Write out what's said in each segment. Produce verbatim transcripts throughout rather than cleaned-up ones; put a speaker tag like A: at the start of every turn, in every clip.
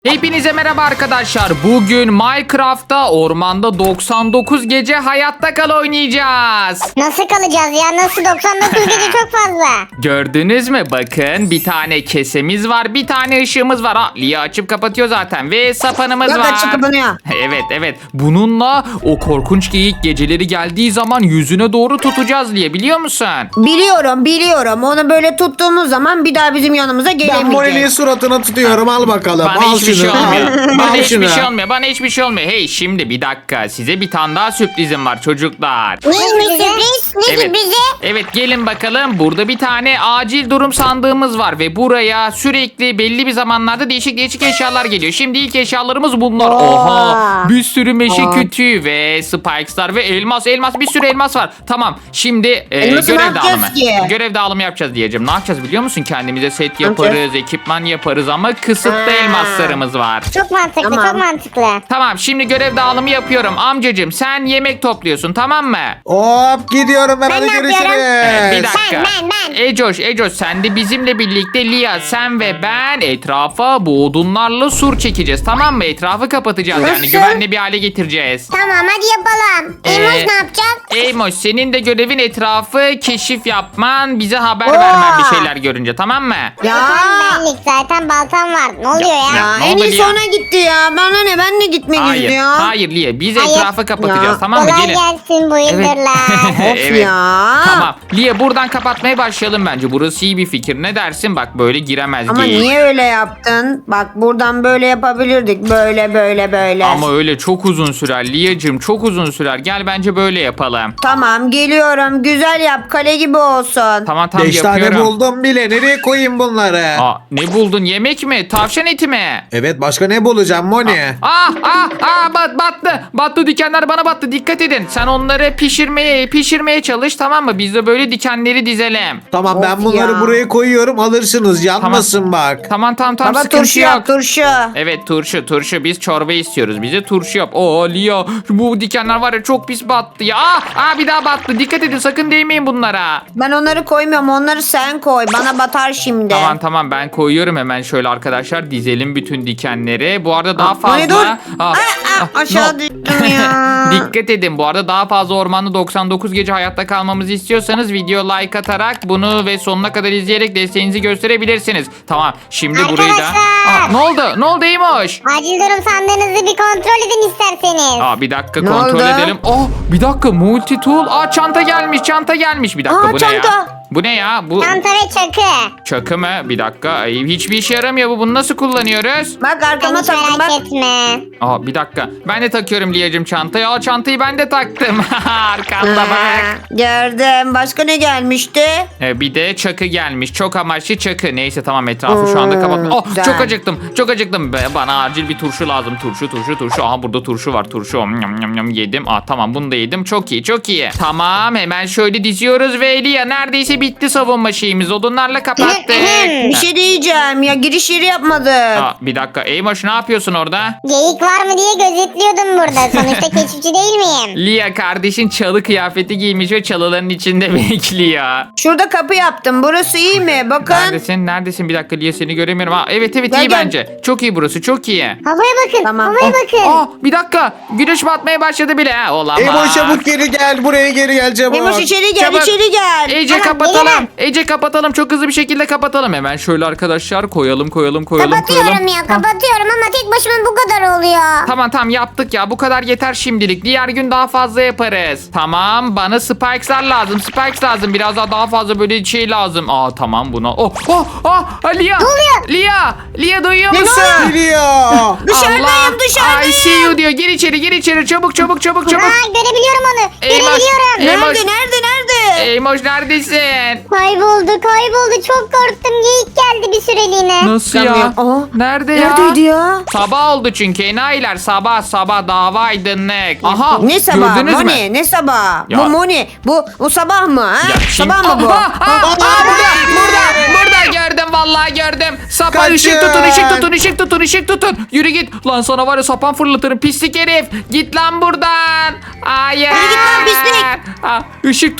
A: Hepinize merhaba arkadaşlar. Bugün Minecraft'ta ormanda doksan dokuz gece hayatta kal oynayacağız.
B: Nasıl kalacağız ya? Nasıl doksan dokuz gece çok fazla.
A: Gördünüz mü? Bakın bir tane kesemiz var, bir tane ışığımız var. Ha, Lia açıp kapatıyor zaten ve sapanımız
C: Yok,
A: var.
C: açıp kapanıyor.
A: Evet evet. Bununla o korkunç geyik geceleri geldiği zaman yüzüne doğru tutacağız Lia, biliyor musun?
C: Biliyorum biliyorum. Onu böyle tuttuğumuz zaman bir daha bizim yanımıza
D: Ben
C: gelemeyecek.
D: Morel'in suratına tutuyorum. Al bakalım.
A: Bana
D: al
A: hiçbir
D: şunu.
A: şey olmuyor.
D: Al,
A: Bana
D: al
A: hiçbir
D: şunu.
A: şey olmuyor. Bana hiçbir şey olmuyor. Hey şimdi bir dakika. Size bir tane daha sürprizim var çocuklar.
B: Neymiş sürpriz? Ne
A: Evet.
B: sürprizi?
A: Evet gelin bakalım. Burada bir tane acil durum sandığımız var ve buraya sürekli belli bir zamanlarda değişik değişik eşyalar geliyor. Şimdi ilk eşyalarımız bunlar.
B: Oo.
A: Oha! Bir sürü meşe
C: Aa.
A: kütüğü ve spikeslar ve elmas elmas bir sürü elmas var. Tamam. Şimdi e,
C: Elması ne
A: görev
C: yapacağız
A: dağılımı.
C: ki?
A: Görev dağılımı yapacağız diyeceğim. Ne yapacağız biliyor musun? Kendimize set
C: yapacağız?
A: yaparız, ekipman yaparız ama kısıtlı
C: Ha.
A: elmaslarımız var.
B: Çok mantıklı,
C: Tamam.
B: çok mantıklı.
A: Tamam şimdi görev dağılımı yapıyorum. Amcacığım sen yemek topluyorsun, tamam mı?
D: Hop gidiyorum ben,
B: Ben
D: hadi
B: ne yapıyorum?
D: görüşürüz.
A: Evet, bir dakika.
B: Ben, ben, ben.
A: Ecoş, Ecoş sen de bizimle birlikte Lia, sen ve ben etrafa bu odunlarla sur çekeceğiz. Tamam mı? Etrafı kapatacağız. Yani
C: Nasıl?
A: güvenli bir hale getireceğiz.
B: Tamam hadi yapalım.
A: Ee,
B: Emoş ne yapacak?
A: Eymoş senin de görevin etrafı keşif yapman, bize haber
C: Oo.
A: vermen bir şeyler görünce, tamam mı?
C: Ya.
B: Zaten benlik, zaten baltam var. Ne oluyor ya?
C: Ya
A: Ne
C: en
A: oldu
C: iyisi
A: ya?
C: ona gitti ya. Bana ne, ben de gitmek
A: Hayır,
C: istiyorum.
A: hayır Lia, biz
B: Hayır.
A: etrafı kapatacağız,
C: Ya.
A: tamam mı?
B: Kolay
A: Gelin.
B: gelsin bu yıldırlar.
C: Of ya.
A: Tamam. Lia buradan kapatmaya başlayalım bence. Burası iyi bir fikir. Ne dersin? Bak böyle giremez
C: Ama
A: geyik.
C: niye öyle yaptın? Bak buradan böyle yapabilirdik. Böyle böyle böyle.
A: Ama öyle çok uzun sürer Lia'cığım, çok uzun sürer. Gel bence böyle yapalım.
C: Tamam geliyorum. Güzel yap. Kale gibi olsun.
A: Tamam tamam
D: Beş
A: yapıyorum.
D: tane buldum bile. Nereye koyayım bunları?
A: Aa, ne buldun? Yemek mi? Tavşan eti mi?
D: Evet başka ne bulacağım Moni?
A: Ah ah ah bat, battı. Battı, dikenler bana battı. Dikkat edin. Sen onları pişirmeye pişirmeye çalış, tamam mı? Biz de böyle dikenleri dizelim.
D: Tamam ben
C: Of
D: bunları
C: ya.
D: buraya koyuyorum. Alırsınız. Yanmasın bak.
A: Tamam tamam tamam,
C: Baba
A: sıkıntı
C: turşu
A: yok.
C: yap turşu.
A: Evet turşu turşu, biz çorba istiyoruz. Bize turşu yap. Oo Lia, bu dikenler var ya çok pis battı ya. Ah, ah bir daha battı. Dikkat edin, sakın değmeyin bunlara.
C: Ben onları koymuyorum. Onları sen koy. Bana batar şimdi.
A: Tamam tamam ben koyuyorum hemen şöyle arkadaşlar, dizelim bütün dikenleri. Bu arada daha
C: Aa,
A: fazla.
C: Moni dur.
A: Ah,
C: Aa,
A: ah,
C: aa, aşağı
A: no.
C: düştüm ya.
A: Dikkat edin, bu arada daha fazla ormanda doksan dokuz gece hayatta kalmamızı istiyorsanız video like atarak bunu ve sonuna kadar izleyerek desteğinizi gösterebilirsiniz. Tamam şimdi burayı da.
B: Arkadaşlar!
A: Aa, ne oldu? Ne oldu Eymoş?
B: Acil durum sandığınızı bir kontrol edin isterseniz.
A: Aa, bir dakika
C: Ne
A: kontrol
C: oldu?
A: edelim. Oh bir dakika, multi tool. Aa çanta gelmiş, çanta gelmiş. Bir dakika
C: Aa,
A: bu ne
C: çanta.
A: ya? Bu ne ya? Bu
B: Çanta ve çakı.
A: çakı mı? Bir dakika. Ay, hiçbir işe yaramıyor bu. Bunu nasıl kullanıyoruz?
C: Bak arkama
B: Hiç
C: taktım bak.
B: merak etme.
A: Aa bir dakika. Ben de takıyorum Liyacım çantayı. Aa çantayı ben de taktım. Arkamda bak.
C: Aa, gördüm. Başka ne gelmişti?
A: Ee, bir de çakı gelmiş. Çok amaçlı çakı. Neyse tamam, etrafı şu anda
C: Hmm,
A: kapatma. Oh
C: güzel.
A: çok acıktım. Çok acıktım. Be- Bana acil bir turşu lazım. Turşu turşu turşu. Aha burada turşu var. Turşu. Om, yam, yam, yam, yedim. Aa tamam bunu da yedim. Çok iyi çok iyi. Tamam hemen şöyle diziyoruz ve Liya neredeyse bitti savunma şeyimiz. Odunlarla kapattık.
C: Bir şey diyeceğim ya, giriş yeri yapmadık.
A: Aa, bir dakika. Eymoş ne yapıyorsun orada?
B: Geyik var mı diye gözetliyordum burada. Sonuçta keşifçi değil miyim?
A: Liya kardeşin çalı kıyafeti giymiş ve çalıların içinde bekliyor.
C: Şurada kapı yaptım. Burası iyi mi? Bakın.
A: Neredesin? Neredesin? Bir dakika Liya seni göremiyorum. Aa, evet evet
C: Gel,
A: iyi
C: gel.
A: bence. Çok iyi burası. Çok iyi.
B: Havaya bakın,
C: Tamam.
B: havaya
C: Oh,
B: bakın.
A: Aa, bir dakika. Güneş batmaya başladı bile. Ha, olamaz.
D: Emo çabuk geri gel. Buraya geri gel çabuk.
C: Emoş içeri gel,
A: Çabuk.
C: içeri gel.
A: Ece
B: Tamam,
A: kapatalım.
B: gelirim.
A: Ece kapatalım. Çok hızlı bir şekilde kapatalım. Hemen şöyle arkadaşlar koyalım koyalım koyalım
B: Kapatıyorum
A: koyalım.
B: ya, kapatıyorum ama tek başıma bu kadar oluyor.
A: Tamam tamam yaptık ya. Bu kadar yeter şimdilik. Diğer gün daha fazla yaparız. Tamam bana spikes'lar lazım. Spikes lazım. Biraz daha daha fazla böyle şey lazım. Aa tamam buna. Oh oh oh. Lia. Ne
B: oluyor?
A: Lia. Lia duyuyor
C: Ne
A: musun?
C: oluyor?
D: Geliyor.
C: Dışarıdayım,
A: Allah.
C: dışarıdayım.
A: I see you diyor. Gir içeri gir içeri. Çabuk çabuk çabuk çabuk.
B: Aa, görebiliyorum onu.
A: Eymoş,
B: Görebiliyorum.
A: Eymoş.
C: Nerede, nerede, nerede?
A: Eymoş neredesin?
B: Kayboldu, kayboldu. Çok korktum. Geyik geldi bir süreliğine.
A: Nasıl ya?
C: Çıkamıyorum. Aa,
A: Nerede ya?
C: Neredeydi ya?
A: Sabah oldu çünkü enayiler, sabah sabah dava aydınlık. Aha
C: Ne sabah?
A: gördünüz mü?
C: Moni, ne sabah?
A: Ya.
C: Bu Moni, bu bu sabah mı? Ha?
A: Ya şimdi-
C: Sabah mı bu?
A: Aha, aha, aha, burada burada burada gördüm vallahi gördüm. Sapan
D: Kaçın.
A: ışık tutun ışık tutun ışık tutun ışık tutun. Yürü git. Lan sana var ya sapan fırlatırım pislik herif. Git lan buradan. Hayır.
C: Yürü git lan pislik.
A: Ha, ışık tutun.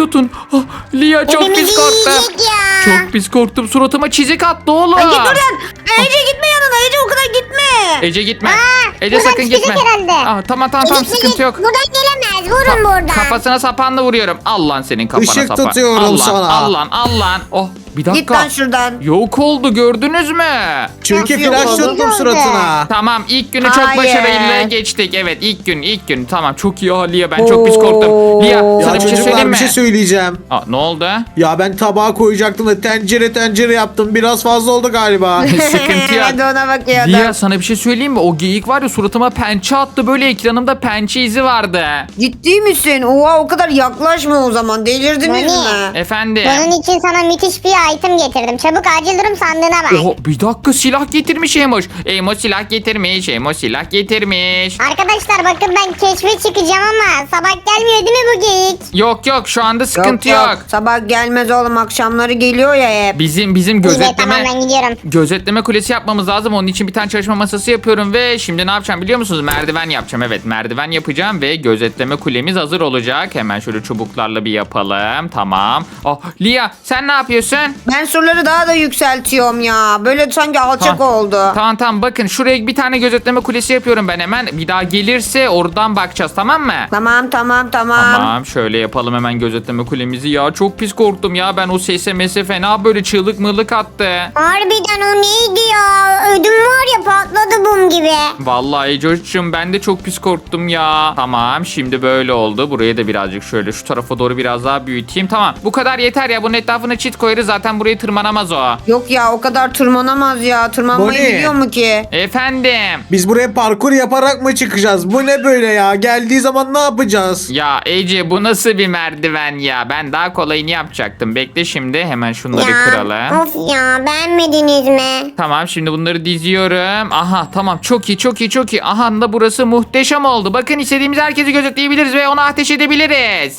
A: Oh, Lia çok
B: Hepimizi
A: pis korktum.
B: yiyecek ya.
A: Çok pis korktum. Suratıma çizik attı oğlum.
C: Ay, git buradan. Ece gitme yanına. Ece o kadar gitme.
A: Ece gitme.
B: Aa,
A: Ece
B: buradan
A: sakın
B: çıkacak
A: gitme.
B: herhalde.
A: Aa, tamam tamam tamam
B: Gidip
A: sıkıntı
B: gidip
A: yok.
B: Buradan gelemez. Vurun buradan.
A: Kafasına sapanla vuruyorum. Al lan senin kafana
D: Işık
A: sapan.
D: tutuyorum
A: al lan,
D: sana.
A: Al lan al lan. Oh bir dakika.
C: Git lan şuradan.
A: Yok oldu gördünüz mü?
D: Çünkü
C: Nasıl yok
D: flash
C: oldu?
D: tuttum suratına.
A: Tamam ilk günü çok
C: Hayır.
A: başarıyla geçtik. Evet ilk gün ilk gün. Tamam çok iyi ha Lia ben çok pis korktum.
C: Oo.
A: Lia
C: Ya
A: sana
D: Ya
A: bir şey söyleyeyim
D: çocuklar
A: mi?
D: bir şey söyleyeceğim.
A: Aa, ne oldu?
D: Ya ben tabağa koyacaktım da tencere tencere yaptım. Biraz fazla oldu galiba.
A: Sıkıntı yok.
C: Ben de ona bakıyordum.
A: Lia sana bir şey söyleyeyim mi? O geyik var ya suratıma pençe attı. Böyle ekranımda pençe izi vardı.
C: Ciddi misin? Oha o kadar yaklaşma o zaman. Delirdiniz
B: Nani?
C: mi?
A: Efendim.
B: Bunun için sana müthiş bir item getirdim. Çabuk acil durum sandığına bak.
A: Oho, bir dakika silah getirmiş Emoş. Emoş silah getirmiş. Emoş silah getirmiş.
B: Arkadaşlar bakın ben keşfe çıkacağım ama sabah gelmiyor değil mi bu geyik?
A: Yok yok şu anda sıkıntı yok.
C: Sabah gelmez oğlum. Akşamları geliyor ya hep.
A: Bizim bizim
B: İyi de
A: gözetleme
B: tamam ben gidiyorum.
A: gözetleme kulesi yapmamız lazım. Onun için bir tane çalışma masası yapıyorum ve şimdi ne yapacağım biliyor musunuz? Merdiven yapacağım. Evet, merdiven yapacağım ve gözetleme kulemiz hazır olacak. Hemen şöyle çubuklarla bir yapalım. Tamam. Oh, Lia sen ne yapıyorsun?
C: Ben surları daha da yükseltiyorum ya. Böyle sanki alçak
A: Tamam.
C: oldu.
A: Tamam tamam bakın şuraya bir tane gözetleme kulesi yapıyorum ben hemen. Bir daha gelirse oradan bakacağız tamam mı?
C: Tamam tamam tamam.
A: Tamam şöyle yapalım hemen gözetleme kulemizi. Ya çok pis korktum ya ben o sese mese fena böyle çığlık mırlık attı.
B: Harbiden o neydi ya? Ödüm var ya patladı bum gibi.
A: Vallahi Coş'cum ben de çok pis korktum ya. Tamam şimdi böyle oldu. Burayı da birazcık şöyle şu tarafa doğru biraz daha büyüteyim. Tamam bu kadar yeter ya. Bunun etrafına çit koyarız zaten burayı tırmanamaz o.
C: Yok ya o kadar tırmanamaz ya. Tırmanmayı
D: Bu ne?
C: biliyor mu ki?
A: Efendim.
D: Biz buraya parkur yaparak mı çıkacağız? Bu ne böyle ya? Geldiği zaman ne yapacağız?
A: Ya Ece bu nasıl bir merdiven ya? Ben daha kolayını yapacaktım. Bekle şimdi hemen şunları kıralım.
B: Of ya beğenmediniz mi?
A: Tamam şimdi bunları diziyorum. Aha tamam çok iyi çok iyi çok iyi. Aha da burası muhteşem oldu. Bakın istediğimiz herkesi gözetleyebiliriz ve ona ateş edebiliriz.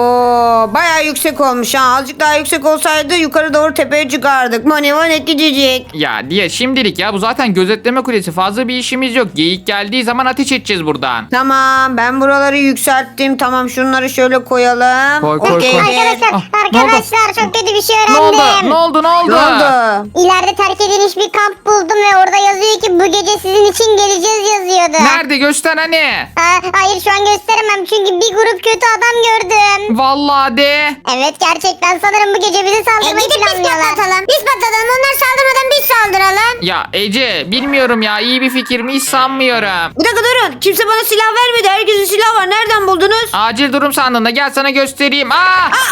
C: Oo bayağı yüksek olmuş ha. Azıcık daha yüksek olsaydı yukarı doğru tepeye çıkardık. Mani mani gidecek.
A: Ya diye şimdilik ya bu zaten gözetleme kulesi fazla bir işimiz yok. Geyik geldiği zaman ateş edeceğiz buradan.
C: Tamam ben buraları yükselttim. Tamam şunları şöyle koyalım.
A: Koy, koy,
C: Okey.
A: koy.
B: Arkadaşlar
A: Ah, ne oldu?
B: arkadaşlar çok kötü bir şey
A: Ne oldu?
B: öğrendim.
A: Ne oldu? Ne oldu?
C: Ne oldu?
B: İleride terk edilmiş bir kamp buldum ve orada yazıyor ki bu gece sizin için geleceğiz yazıyordu.
A: Nerede? Göster hani.
B: Ha, hayır şu an gösteremem çünkü bir grup kötü adam gördüm.
A: Vallahi de.
B: Evet gerçekten sanırım bu gece bizi saldırmayı planlıyorlar. Biz patlatalım. Biz patlatalım. Onlar saldırmadan biz saldıralım.
A: Ya Ece bilmiyorum ya iyi bir fikir mi hiç sanmıyorum.
C: Bir dakika durun. Kimse bana silah vermedi. Herkesin silahı var. Nereden buldunuz?
A: Acil durum sandığında gel sana göstereyim. Aa!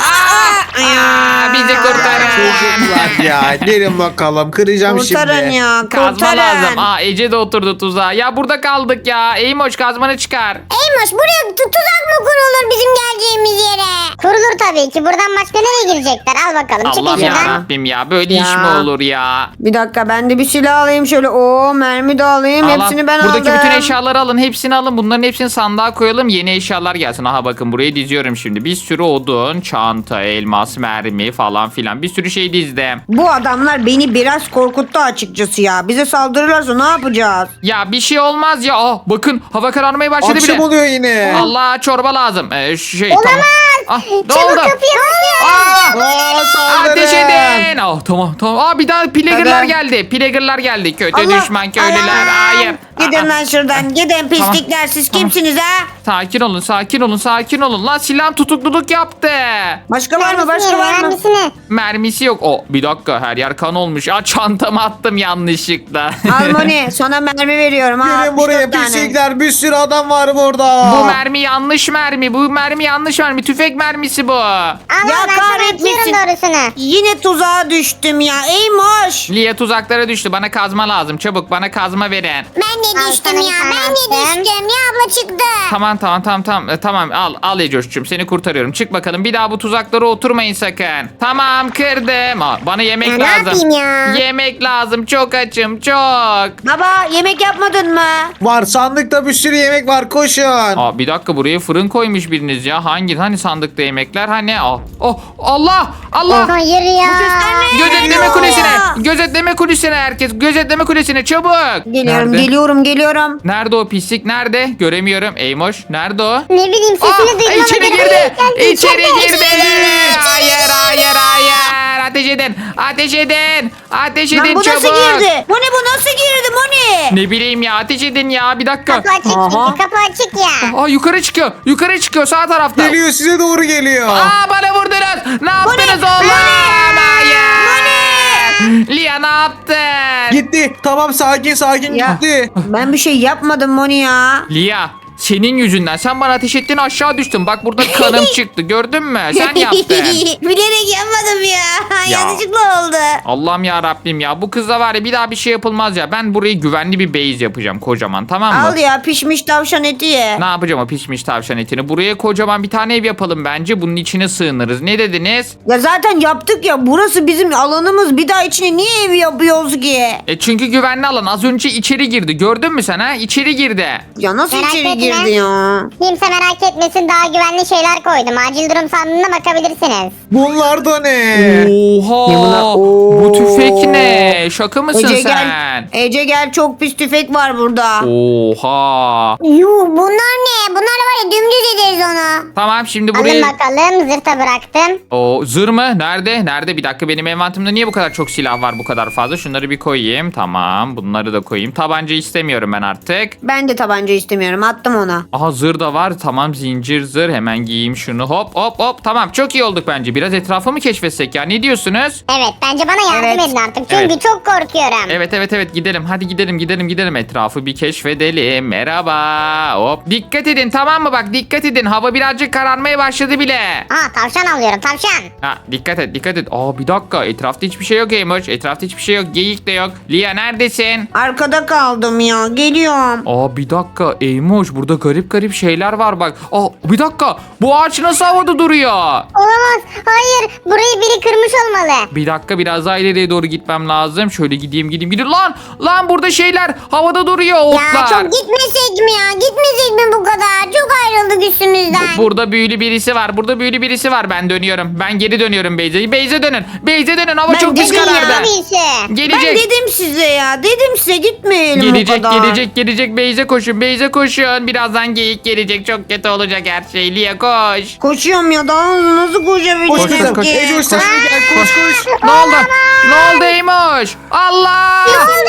A: Aa! Aa! Bizi kurtarın.
D: Çocuklar ya. Gelin bakalım. Kıracağım
C: Kurtarın
D: şimdi.
C: ya.
A: Kazma
C: Kurtarın.
A: lazım. Aa Ece de oturdu tuzağa. Ya burada kaldık ya. Eymoş kazmanı çıkar.
B: Eymoş buraya tu- tuzak mı kurulur bizim geleceğimiz yere? Kurulur tabii ki. Buradan başka nereye girecekler? Al bakalım.
A: Allah'ım
B: Çıkın
A: ya
B: şuradan.
A: Rabbim ya. Böyle
C: Ya.
A: iş mi olur ya?
C: Bir dakika ben de bir silah alayım şöyle. Oo mermi de alayım.
A: Allah,
C: Hepsini ben
A: buradaki
C: aldım.
A: bütün eşyaları alın. Hepsini alın. Bunların hepsini sandığa koyalım. Yeni eşyalar gelsin. Aha bakın burayı diziyorum şimdi. Bir sürü odun, çanta, elmas, mermi falan filan. Bir sürü şey dizdim.
C: Bu adamlar beni biraz korkuttu açıkçası ya. Bize saldırırlarsa ne yapacağız?
A: Ya bir şey olmaz ya. Aa, bakın hava kararmaya başladı
D: Akşam
A: bile.
D: oluyor yine.
A: Allah çorba lazım. Ee, şey
B: Olamaz.
A: tamam. Ah, ne
B: Çabuk
A: oldu?
B: kapıyı kapıyı.
A: Aa!
D: Aa, saldırın.
A: Ateş edin. Oh, tamam tamam. Aa, bir daha plager'lar
C: Neden?
A: geldi. Plager'lar geldi. Kötü
C: Allah,
A: düşman köylüler.
C: Allah.
A: Hayır.
C: Gidin
A: Aa,
C: lan şuradan. Gidin pislikler. Siz
A: Tamam.
C: kimsiniz ha?
A: Sakin olun sakin olun sakin olun. Lan silah tutukluluk yaptı.
C: Başka var mı?
B: Mermisini,
C: Başka var mı?
B: mermisini.
A: Mermisi yok. O bir dakika her yer kan olmuş. Aa, çantamı attım yanlışlıkla.
C: Almoni sana mermi veriyorum ha.
D: Gelin buraya
C: altmış dört tane.
D: pislikler. Bir sürü adam var burada.
A: Bu mermi yanlış mermi. Bu mermi yanlış mermi. Tüfek mermisi bu.
B: Al
C: Ya
B: al ben sana
C: kahretmesin.
B: atıyorum doğrusunu.
C: Yine tuzağa düştüm ya. Eymoş.
A: Lia tuzaklara düştü. Bana kazma lazım. Çabuk bana kazma verin.
B: Ben de Al düştüm sana ya. bir tane Ben de attım. düştüm. Ya abla çıktı.
A: Tamam tamam tamam tamam. E, tamam al al Ecoş'cum seni kurtarıyorum. Çık bakalım. Bir daha bu tuzaklara oturmayın sakın. Tamam kırdım. Aa, bana yemek
B: Ya ne
A: lazım.
B: yapayım ya?
A: Yemek lazım. Çok açım çok.
C: Baba yemek yapmadın mı?
D: Var sandıkta bir sürü yemek var. Koşun.
A: Aa, bir dakika buraya fırın koymuş biriniz ya. Hangi hani sandıkta yemekler hani? Aa, oh Allah Allah.
B: Hayır ya.
C: Bu sesler ne?
A: Gözetleme
C: geliyor.
A: kulesine. Gözetleme kulesine herkes. Gözetleme kulesine çabuk.
C: Geliyorum
A: Nerede?
C: geliyorum geliyorum.
A: Nerede o pislik? Nerede? Göremiyorum. Eymoş. Nerede o?
B: Ne bileyim sesini
A: Aa,
B: duydum ama
A: içeri
B: geldi,
A: girdi.
B: geldi,
A: İçeri
B: içeride.
A: girdi. Hayır hayır hayır. Ateş edin. Ateş edin. Ateş
C: Lan
A: edin
C: bu
A: çabuk.
C: nasıl girdi? Moni bu nasıl girdi Moni?
A: Ne bileyim ya ateş edin ya bir dakika.
B: Kapı açık
C: Aha.
B: çünkü kapı açık ya.
A: Aa yukarı çıkıyor. Yukarı çıkıyor sağ tarafta.
D: Geliyor size doğru geliyor.
A: Aa bana vurdunuz. Ne yaptınız oğlum? Hayır. Lia ne yaptın?
D: Gitti. Tamam sakin sakin
C: Ya.
D: gitti.
C: Ben bir şey yapmadım Moni ya.
A: Lia senin yüzünden sen bana ateş ettin aşağı düştüm. Bak burada kanım çıktı gördün mü? Sen yaptın.
C: Bilerek yapmadım ya.
A: Ya.
C: Yanlışlıkla oldu.
A: Allah'ım ya Rabbim ya bu kızla var ya bir daha bir şey yapılmaz ya. Ben burayı güvenli bir base yapacağım kocaman tamam mı?
C: Al ya pişmiş tavşan eti ye.
A: Ne yapacağım o pişmiş tavşan etini? Buraya kocaman bir tane ev yapalım bence. Bunun içine sığınırız. Ne dediniz?
C: Ya zaten yaptık ya burası bizim alanımız. Bir daha içine niye ev yapıyoruz ki?
A: E çünkü güvenli alan. Az önce içeri girdi. Gördün mü sen ha? İçeri girdi.
C: Ya nasıl
B: Merak
C: içeri
B: etme.
C: girdi ya?
B: Kimse merak etmesin daha güvenli şeyler koydum. Acil durum sandığına bakabilirsiniz.
D: Bunlar da ne?
A: Oha.
C: Ne bunlar?
A: Bu
C: Oo.
A: tüfek ne? Şaka mısın
C: Ece
A: sen?
C: gel. Ece gel çok pis tüfek var burada.
A: Oha.
B: Yuh bunlar ne? Bunlar var ya dümdüz ederiz onu.
A: Tamam şimdi
B: Alın
A: buraya...
B: bakalım zırta bıraktım.
A: O zır mı? Nerede? Nerede? Bir dakika benim envantimde niye bu kadar çok silah var bu kadar fazla? Şunları bir koyayım. Tamam. Bunları da koyayım. Tabanca istemiyorum ben artık.
C: Ben de tabanca istemiyorum attım ona.
A: Aha zır da var. Tamam zincir zır. Hemen giyeyim şunu. Hop hop hop. Tamam çok iyi olduk bence. Biraz etrafı mı keşfetsek ya? Ne diyorsunuz?
B: Evet bence bana yardım
C: Evet.
B: edin artık. Çünkü
A: Evet.
B: çok korkuyorum.
A: Evet evet evet gidelim. Hadi gidelim gidelim gidelim. Etrafı bir keşfedelim. Merhaba. Hop. Dikkat edin tamam mı? Bak dikkat edin. Hava birazcık kararmaya başladı bile.
B: Aa tavşan alıyorum tavşan.
A: Ha dikkat et dikkat et. Aa bir dakika. Etrafta hiçbir şey yok Emoş. Etrafta hiçbir şey yok. Geyik de yok. Lia neredesin?
C: Arkada kaldım ya geliyorum.
A: Aa bir dakika Eymoş burada garip garip şeyler var bak. Aa bir dakika bu ağaç nasıl havada duruyor?
B: Olamaz. Hayır. Burayı biri kırmış olmalı.
A: Bir dakika biraz daha ileriye doğru gitmem lazım. Şöyle gideyim gideyim gideyim. Lan lan burada şeyler havada duruyor
B: Ya
A: otlar.
B: çok gitmesek mi ya? Gitmesek mi bu kadar? Çok ayrıldık üstümüzden.
A: Burada büyülü birisi var. Burada büyülü birisi var. Ben dönüyorum. Ben geri dönüyorum Beyze. Beyze dönün. Beyze dönün. Hava
C: Ben
A: çok pis
C: dedim ya,
A: karardı.
B: Birisi.
C: Ben
A: Gelecek.
C: dedim size ya. Dedim size gitmeyelim o
A: Gelecek
C: kadar.
A: gelecek gelecek Beyze koşun. Beyze koşun. Birazdan geyik gelecek. Çok kötü olacak her şey. Lia koş.
C: Koşuyorum ya daha nasıl koşabilirim
D: Koş
A: Koş, koş,
D: kızım.
A: koş.
C: ki?
D: Ece sen de gel koş koş.
A: Ne oldu? Ne oldu Eymoş? Allah!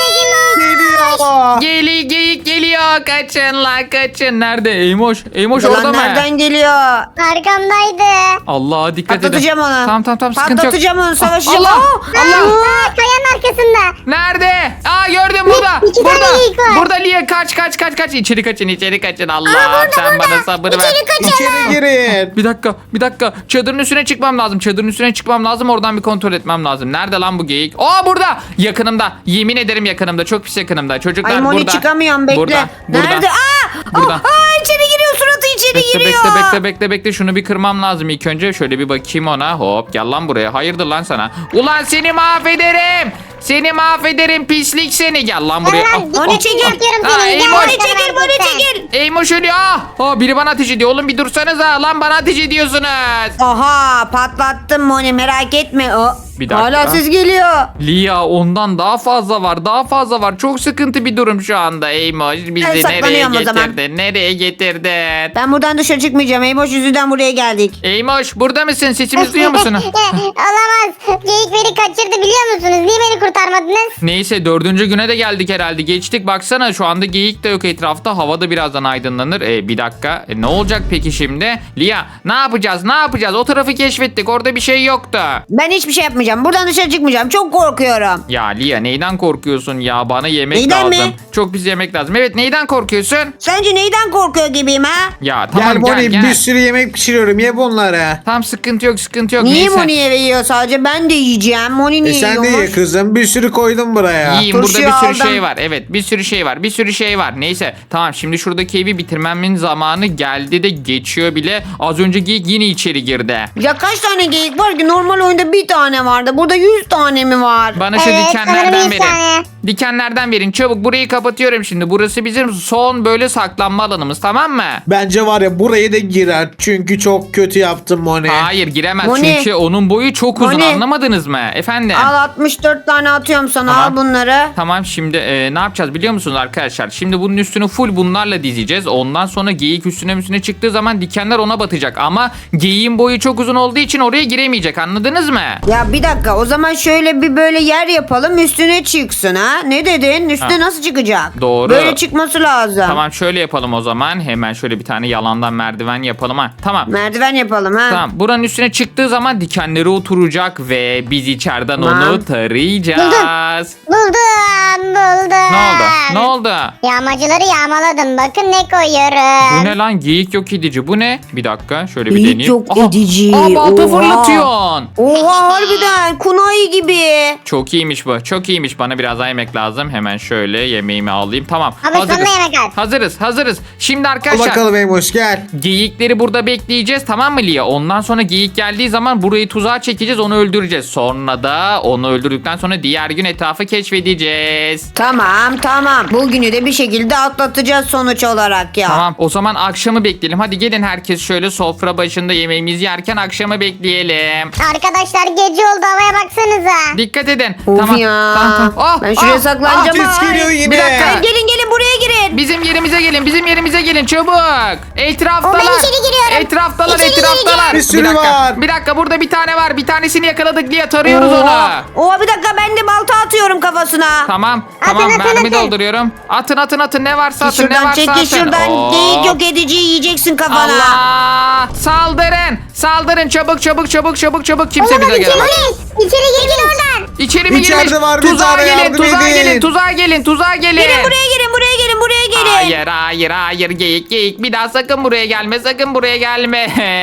D: Geliyor.
A: Geli geyik geliyor. Kaçın la kaçın. Nerede Eymoş? Eymoş
C: Ulan
A: orada mı?
C: nereden geliyor?
B: Arkamdaydı.
A: Allah dikkat edin.
C: Patlatacağım onu.
A: Tamam tamam tamam sıkıntı yok.
C: Patlatacağım onu savaşacağım.
A: Allah!
C: Aa!
A: Allah!
B: Aa, kayanın arkasında.
A: Nerede? Aa gördüm burada.
B: iki tane
A: burada.
B: geyik var.
A: Burada Lia kaç kaç kaç kaç. İçeri kaçın içeri kaçın. Allah sen bana sabır ver.
B: İçeri kaçalım.
D: İçeri girin.
A: Bir dakika bir dakika. Çadırın üstüne çıkmam lazım. Çadırın üstüne çıkmam lazım. Oradan bir kontrol etmem lazım. Nerede lan bu geyik? Aa burada. Yakınımda. Yemin ederim yakınımda. Çok pis yakınımda. Çocuklar
C: Ay Moni
A: burada.
C: çıkamıyorum bekle.
A: Burada. Burada.
C: Nerede? Aa!
A: Burada.
C: Aa, aa, içeri giriyor suratı içeri
A: Bekle
C: giriyor.
A: bekle bekle bekle bekle şunu bir kırmam lazım ilk önce. Şöyle bir bakayım ona. Hop gel lan buraya. Hayırdır lan sana. Ulan seni mahvederim. Seni mahvederim pislik seni. Gel lan buraya.
B: Ben
A: Ah,
B: lan
C: Moni
B: gitmek
C: çekil.
B: istiyorum
A: Aa,
B: seni.
A: Ey,
B: Gel
A: Moni
B: bakalım
C: çekil, Moni
B: harekete.
C: çekil.
A: Eymoş ölüyor. Ah, ah, biri bana ateş ediyor. Oğlum bir dursanıza. Lan bana ateş ediyorsunuz.
C: Aha patlattım Moni merak etme. O.
A: Bir dakika.
C: Hala ses geliyor.
A: Lia ondan daha fazla var. Daha fazla var. Çok sıkıntı bir durum şu anda. Eymoş bizi
C: Ben
A: nereye
C: saklanıyorum o zaman.
A: getirdin? Nereye getirdin?
C: Ben buradan dışarı çıkmayacağım. Eymoş yüzünden buraya geldik.
A: Eymoş burada mısın? Sesimizi duyuyor musun?
B: Olamaz. Geyik beni kaçırdı biliyor musunuz? Niye beni kurtarmadınız?
A: Neyse dördüncü güne de geldik herhalde. Geçtik baksana şu anda geyik de yok etrafta. Hava da birazdan aydınlanır. E, bir dakika. E, ne olacak peki şimdi? Lia ne yapacağız? Ne yapacağız? O tarafı keşfettik. Orada bir şey yoktu.
C: Ben hiçbir şey yapmayacağım. Buradan dışarı çıkmayacağım. Çok korkuyorum.
A: Ya Lia neyden korkuyorsun ya? Bana yemek
C: Neyden
A: lazım.
C: mi?
A: Çok biz yemek lazım. Evet neyden korkuyorsun?
C: Sence neyden korkuyor gibiyim ha?
A: Ya tamam
D: Gel
A: gel
D: Moni
A: gel.
D: bir sürü yemek pişiriyorum. Ye bunları.
A: Tam sıkıntı yok sıkıntı yok.
C: Niye
A: Neyse.
C: Moni'ye veriyor sadece? Ben de yiyeceğim. Moni
D: E
C: niye
D: sen de ye
C: yiyormuş?
D: kızım. Bir sürü koydum buraya.
A: Yiyin burada bir
C: Turşuyu
A: sürü
C: aldım.
A: şey var. Evet bir sürü şey var. Bir sürü şey var. Neyse tamam şimdi şuradaki evi bitirmemin zamanı geldi de geçiyor bile. Az önce geyik yine içeri girdi.
C: Ya kaç tane geyik var ki? Normal oyunda bir tane var. vardı? Burada yüz tane mi var?
A: Bana şu
B: Evet, sanırım
A: dikenlerden
B: yüz
A: verin.
B: tane.
A: Dikenlerden verin. Çabuk burayı kapatıyorum şimdi. Burası bizim son böyle saklanma alanımız, tamam mı?
D: Bence var ya buraya da girer. Çünkü çok kötü yaptım Moni.
A: Hayır giremez
C: Moni.
A: çünkü onun boyu çok uzun,
C: Moni.
A: anlamadınız mı efendim?
C: Al altmış dört tane atıyorum sana.
A: Tamam.
C: Al bunları.
A: Tamam şimdi e, ne yapacağız biliyor musunuz arkadaşlar? Şimdi bunun üstünü full bunlarla dizeceğiz. Ondan sonra geyik üstüne üstüne çıktığı zaman dikenler ona batacak. Ama geyiğin boyu çok uzun olduğu için oraya giremeyecek, anladınız mı?
C: Ya bir dakika, o zaman şöyle bir böyle yer yapalım, üstüne çıksın ha. Ne dedin? Üstüne
A: Ha.
C: nasıl çıkacak?
A: Doğru.
C: Böyle çıkması lazım.
A: Tamam şöyle yapalım o zaman. Hemen şöyle bir tane yalandan merdiven yapalım ha. Tamam.
C: Merdiven yapalım ha.
A: Tamam. Buranın üstüne çıktığı zaman dikenleri oturacak ve biz içeriden
C: Tamam.
A: onu tarayacağız.
B: Buldum buldum.
A: Ne oldu? Ne oldu?
B: Yağmacıları yağmaladım. Bakın ne
A: Bu
B: koyuyorum.
A: ne lan? Geyik yok edici. Bu ne? Bir dakika şöyle bir
C: Geyik
A: deneyeyim.
C: yok
A: Aha,
C: edici.
A: Aa, balta
C: Oha.
A: fırlatıyorsun.
C: Oha harbiden kunai gibi.
A: Çok iyiymiş bu. Çok iyiymiş. Bana biraz daha yemek lazım. Hemen şöyle yemeğimi alayım. Tamam.
B: Abi sana yemek al.
A: Hazırız. Hazırız. Şimdi
D: Al
A: arkadaşlar
D: bakalım Eymoş gel.
A: geyikleri burada bekleyeceğiz, tamam mı Lia? Ondan sonra geyik geldiği zaman burayı tuzağa çekeceğiz, onu öldüreceğiz. Sonra da onu öldürdükten sonra diğer gün etrafı keşfedeceğiz.
C: Tamam tamam. Bugünü de bir şekilde atlatacağız sonuç olarak ya.
A: Tamam o zaman akşamı bekleyelim. Hadi gelin herkes şöyle sofra başında yemeğimizi yerken akşamı bekleyelim.
B: Arkadaşlar gece oldu, havaya baksanıza.
A: Dikkat edin.
C: Of
A: tamam.
C: ya.
A: Tamam, tamam. Ah,
C: Ben şuraya
A: ah,
C: saklanacağım.
D: ah, ses
C: Ay.
D: geliyor yine.
A: Bir dakika.
C: Ay, gelin gelin buraya girin.
A: Bizim yerimize gelin. Bizim yerimize gelin çabuk. Etraftalar.
B: O, ben içeri giriyorum.
A: Etraftalar,
B: İçeri
A: etraftalar.
D: Bir sürü
A: dakika.
D: var.
A: Bir dakika burada bir tane var. Bir tanesini yakaladık diye tarıyoruz onu.
C: Oha. Oha bir dakika, ben de balta atıyorum kafasına.
A: Tamam.
B: Atın,
A: Tamam
B: atın,
A: mermi
B: atın.
A: dolduruyorum. Atın atın atın ne varsa atın ne
C: Şuradan
A: varsa atın.
C: çekil şuradan.
A: Oo.
C: Geyik yok edici yiyeceksin kafana.
A: Allah! Saldırın! Saldırın çabuk çabuk çabuk çabuk çabuk kimse
B: Oğlum
A: bize
B: içeri
A: gelemez.
B: gir. İçeri gir gir oradan.
A: İçeri mi
D: İçeride
A: girmiş?
D: var bir
A: Tuzağa
D: tane,
A: gelin,
D: yardım
A: tuzağa
D: edin.
A: gelin, tuzağa gelin, tuzağa gelin.
C: Gelin buraya gelin buraya gelin buraya gelin.
A: Hayır hayır hayır geyik geyik bir daha sakın buraya gelme sakın buraya gelme.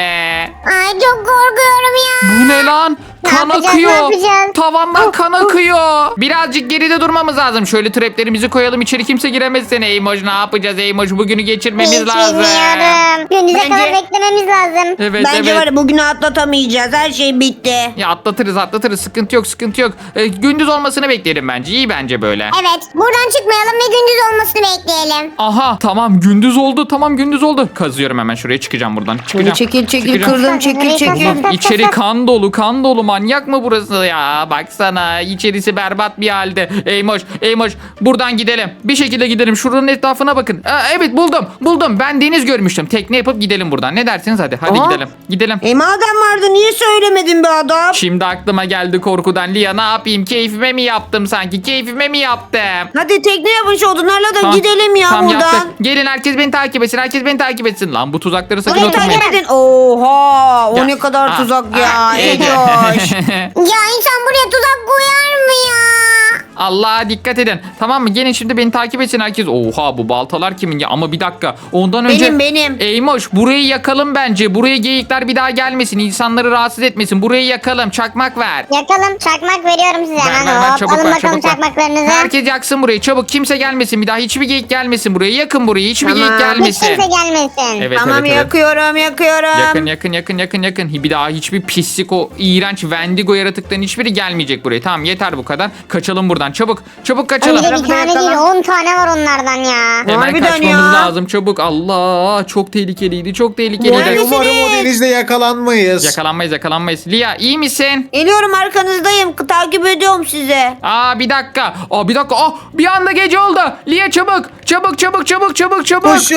B: Ay çok korkuyorum ya.
A: Bu ne lan?
B: Ne
A: Kan
B: yapacağız,
A: akıyor.
B: ne yapacağız?
A: Tavandan kan akıyor. Birazcık geride durmamız lazım. Şöyle traplerimizi koyalım içeri kimse giremezsin. Eymoş ne yapacağız Eymoş? Bugünü geçirmemiz
B: Hiç
A: lazım.
B: bilmiyorum. Gündüze
C: Bence-
B: kadar beklememiz lazım.
A: Evet
C: Bence
A: evet.
C: var ya bugünü atlatamayacağız. Her şey bitti.
A: Ya atlatırız atlatırız sıkıntı yok sıkıntı yok. Ee, gündüz olmasını bekleyelim bence iyi bence böyle.
B: Evet, buradan çıkmayalım ve gündüz olmasını bekleyelim.
A: Aha tamam gündüz oldu tamam gündüz oldu. Kazıyorum hemen şuraya çıkacağım buradan. Çıkacağım.
C: Bunu çekil çekil
A: Çıkacağım.
C: kırdım çekil çekil.
A: Allah, İçeri kan dolu kan dolu manyak mı burası ya baksana içerisi berbat bir halde. Eymoş Eymoş buradan gidelim bir şekilde gidelim şuranın etrafına bakın. Aa, evet buldum buldum ben deniz görmüştüm tekne yapıp gidelim buradan ne dersiniz hadi hadi
C: Aa.
A: gidelim gidelim.
C: E madem vardı niye söylemedin be adam?
A: Şimdi aklıma geldi korkudan Lia ne yapayım keyfime mi yaptım sanki keyfime mi yaptım?
C: Hadi tekne yapın şu odunlarla da
A: Tamam,
C: gidelim ya
A: tamam,
C: buradan.
A: yaptık. Gelin herkes beni takip etsin herkes beni takip etsin. Lan bu tuzakları sakın
C: Beni
A: oturmayın.
C: takip edin. Oha o
A: Ya,
C: ne kadar
A: aa,
C: tuzak
A: aa,
C: ya.
A: Ece.
C: Ecoş.
B: Ya insan buraya tuzak koyar mı ya?
A: Allah dikkat edin. Tamam mı? Gelin şimdi beni takip etsin herkes. Oha bu baltalar kimin ya? Ama bir dakika. Ondan önce...
C: Benim, benim.
A: Eymoş burayı yakalım bence. Buraya geyikler bir daha gelmesin. İnsanları rahatsız etmesin. Burayı yakalım. Çakmak ver.
B: Yakalım, çakmak veriyorum size
A: Ver,
B: hemen.
A: ver, ver,
B: Hop,
A: çabuk
B: alın
A: ver,
B: bakalım
A: çabuk ver.
B: çakmaklarınızı.
A: Herkes yaksın burayı. Çabuk kimse gelmesin. Bir daha hiçbir geyik gelmesin buraya. Yakın burayı. Hiçbir
C: Tamam.
A: geyik
B: Hiç
A: gelmesin.
B: kimse gelmesin.
A: Evet,
C: Tamam
A: evet, evet.
C: yakıyorum yakıyorum.
A: Yakın yakın yakın yakın yakın. Bir daha hiçbir pislik o iğrenç Wendigo yaratıkların hiçbiri gelmeyecek buraya. Tamam yeter bu kadar. Kaçalım buradan. Çabuk. Çabuk kaçalım.
B: Bir de bir
C: Tarafı
B: tane
C: yakalım.
B: değil on tane var onlardan ya.
A: Hemen
C: Harbiden
A: kaçmamız
C: ya.
A: lazım çabuk. Allah çok tehlikeliydi. Çok
C: Nerede?
A: tehlikeliydi.
D: Umarım o denizde yakalanmayız.
A: Yakalanmayız yakalanmayız. Lia iyi misin?
C: Geliyorum arkanızdayım. Takip ediyorum sizi.
A: Aa bir dakika. Aa bir dakika. Aa bir anda gece oldu. Lia çabuk. Çabuk çabuk çabuk çabuk çabuk.
D: Koşun.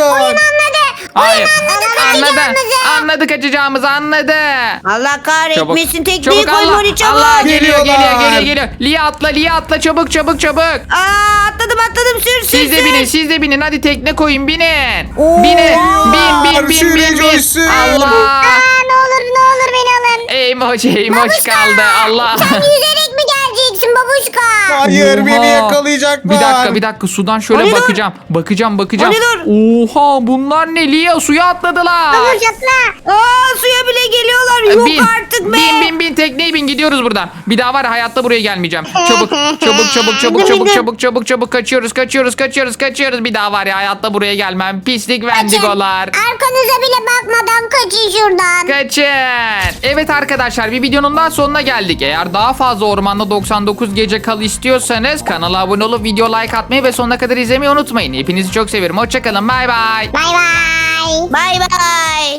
A: Hayır.
B: Anladı
A: Anladı.
B: kaçacağımızı.
A: Anladı kaçacağımızı anladı.
C: Allah kahretmesin
A: Çabuk.
C: tekneyi
A: Çabuk
C: koy
A: Allah.
C: Moni çabuk.
A: Allah geliyor geliyor
D: Geliyorlar.
A: geliyor geliyor. Lia atla Lia atla çabuk çabuk çabuk.
C: Aa atladım atladım sür sür
A: Siz de
C: sür.
A: binin siz de binin hadi tekne koyun binin.
C: Oo.
A: Binin bin bin bin
D: Sürücü
A: bin bin.
D: sür.
A: Allah.
B: Aa, ne olur ne olur beni alın.
A: Eymoş eymoş
B: Babuşka,
A: kaldı Allah.
B: Sen yüzerek mi geleceksin babuşka?
D: Hayır beni
A: Oha.
D: yakalayacaklar.
A: Bir dakika bir dakika sudan şöyle
C: Ali dur.
A: bakacağım. Bakacağım bakacağım.
C: Ali dur.
A: Oha bunlar ne Lia suya atladılar.
B: Dur çatla.
C: Aa suya bile geliyorlar. Yok
A: bin,
C: artık be.
A: Bin bin bin tekneye bin gidiyoruz buradan. Bir daha var ya, hayatta buraya gelmeyeceğim. Çabuk çabuk çabuk çabuk
B: Bindim,
A: çabuk
B: bindim.
A: çabuk çabuk çabuk kaçıyoruz kaçıyoruz kaçıyoruz kaçıyoruz. Bir daha var ya hayatta buraya gelmem. Pislik vendigolar.
B: Arkanıza bile bakmadan kaçın şuradan.
A: Kaçın. Evet arkadaşlar bir videonun daha sonuna geldik. Eğer daha fazla Ormanda doksan dokuz Gece Kal istiyorsanız kanala abone olup video like atmayı ve sonuna kadar izlemeyi unutmayın. Hepinizi çok seviyorum. Hoşçakalın. Bay bay.
B: Bay bay.
C: Bay bay.